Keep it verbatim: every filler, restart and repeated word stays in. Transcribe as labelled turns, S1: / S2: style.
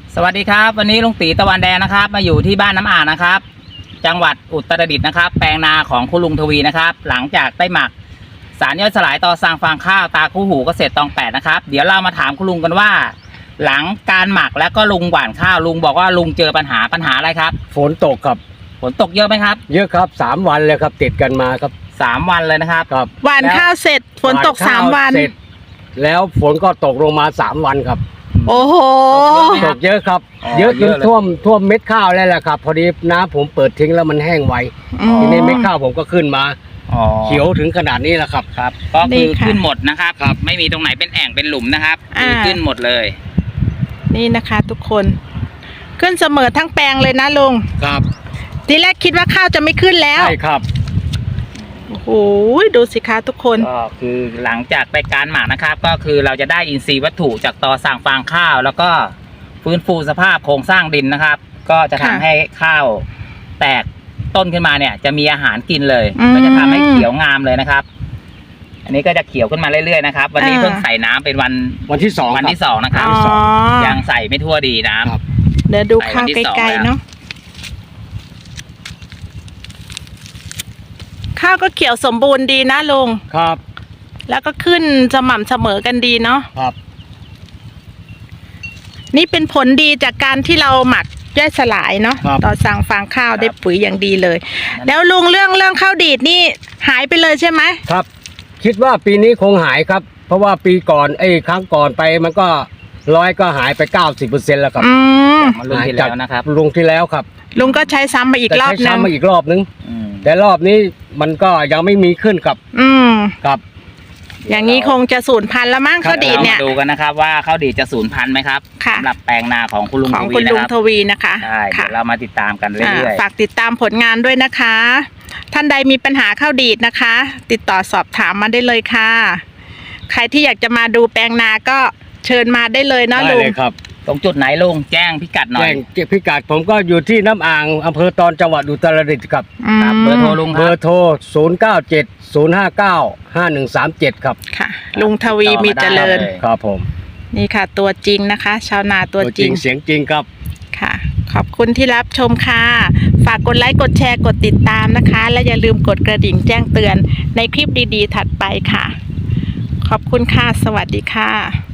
S1: สวัสดีครับวันนี้ลุงตีตะวันแดงนะครับมาอยู่ที่บ้านน้ำอ่างนะครับจังหวัดอุตรดิตถ์นะครับแปลงนาของคุณลุงทวีนะครับหลังจากได้หมักสารย่อยสลายต่อสร้างฟางข้าวตาคู่หูเกษตรตองแปดนะครับเดี๋ยวเรามาถามคุณลุงกันว่า หลังการหมักแล้วก็ลุงหว่านข้าวลุงบอกว่าลุงเจอปัญหาปัญหาอะไรครับ
S2: ฝนตกครับ
S1: ฝนตกเยอะไหมครับ
S2: เยอะครับสามวันเลยครับติดกันมาครับ
S1: สามวันเลยนะครับ
S2: ครับ
S3: หว่านข้าวเสร็จฝนตกสามวัน
S2: เสร็จแล้วฝนก็ตกลงมาสามวันครับ
S3: โอ้โห
S2: ตกเยอะครับเยอะจนท่วมท่วมเม็ดข้าวแล้วแหละครับพอดีน้ำผมเปิดทิ้งแล้วมันแห้งไวทีนี้เม็ดข้าวผมก็ขึ้นมาเขียวถึงขนาดนี้แหละครับ
S1: ครับก็คือขึ้นหมดนะครับครับไม่มีตรงไหนเป็นแอ่งเป็นหลุมนะครับคือขึ้นหมดเลย
S3: นี่นะคะทุกคนขึ้นเสมอทั้งแปลงเลยนะลุง
S2: ครับ
S3: ทีแรกคิดว่าข้าวจะไม่ขึ้นแล้ว
S2: ใช่ครับ
S3: โอ้โหดูสิคะทุกคน
S1: ก็คือหลังจากไปการหมักนะครับก็คือเราจะได้อินทรีย์วัตถุจากตอสั่งฟางข้าวแล้วก็ฟื้นฟูสภาพโครงสร้างดินนะครับก็จะทำให้ข้าวแตกต้นขึ้นมาเนี่ยจะมีอาหารกินเลยก็จะทำให้เขียวงามเลยนะครับอันนี้ก็จะเขียวขึ้นมาเรื่อยๆนะครับวันนี้เพิ่งใส่น้ำเป็นวัน
S2: วันที่สอง
S1: วันที่สองนะครับยังใส่ไม่ทั่วดีน้
S3: ำเดี๋ยวดูข้าวไกลๆเนาะข้าวก็เขียวสมบูรณ์ดีนะลุง
S2: ครับ
S3: แล้วก็ขึ้นสม่ำเสมอกันดีเนาะ
S2: ครับ
S3: นี่เป็นผลดีจากการที่เราหมักย่อยสลายเนาะต่อสั่งฟางข้าวได้ปุ๋ยอย่างดีเลยแล้วลุงเรื่องเรื่องข้าวดีดนี่หายไปเลยใช่ไหม
S2: ครับคิดว่าปีนี้คงหายครับเพราะว่าปีก่อนไอ้ครั้งก่อนไปมันก็ร้อยก็หายไปเก้าสิบเปอร์เซ็นต์แล้วครับ
S3: อืม
S1: ลุงที่แล้วนะครับ
S2: ลุงที่แล้วครับ
S3: ลุงก็ใช้ซ้ำมาอีกรอบนึง
S2: ใช้ซ้ำมาอีกรอบนึงแต่รอบนี้มันก็ยังไม่มีขึ้นครับ
S3: อืม
S2: ครับ
S3: อย่างนี้คงจะสูญพันธุ์แล้วมั้งข้าวดีดเนี่ย
S1: ดูกันนะครับว่าข้าวดีดจะสูญพันธุ์ไหมครับสำหรับแปลงนาของคุณลุงทวีนะครับ
S3: ของคุณลุงทวีนะคะ
S1: ใช่เดี๋ยวเรามาติดตามกันเรื่อย
S3: ๆฝากติดตามผลงานด้วยนะคะท่านใดมีปัญหาข้าวดีดนะคะ ติดต่อสอบถามมาได้เลยค่ะใครที่อยากจะมาดูแปลงนาก็เชิญมาได้เลยนะลุง
S2: ได้เลยครับ
S1: ตรงจุดไหนลุงแจ้งพิกัดหน่อย
S2: แจ้งพิกัดผมก็อยู่ที่น้ำอ่างอำเภอตอนจังหวัดอุตรดิตถ์ครับ
S1: เบอร์โทรลุงครับ
S2: เบอร์โทรศูนย์ เก้า เจ็ด ศูนย์ ห้า เก้า ห้า หนึ่ง สาม เจ็ดครับ
S3: ค่ะลุงทวีมีเจริญ
S2: ครับผม
S3: นี่ค่ะตัวจริงนะคะชาวนาตัวจริง
S2: เสียงจริงครับ
S3: ค่ะขอบคุณที่รับชมค่ะฝากกดไลค์กดแชร์กดติดตามนะคะและอย่าลืมกดกระดิ่งแจ้งเตือนในคลิปดีๆถัดไปค่ะขอบคุณค่ะสวัสดีค่ะ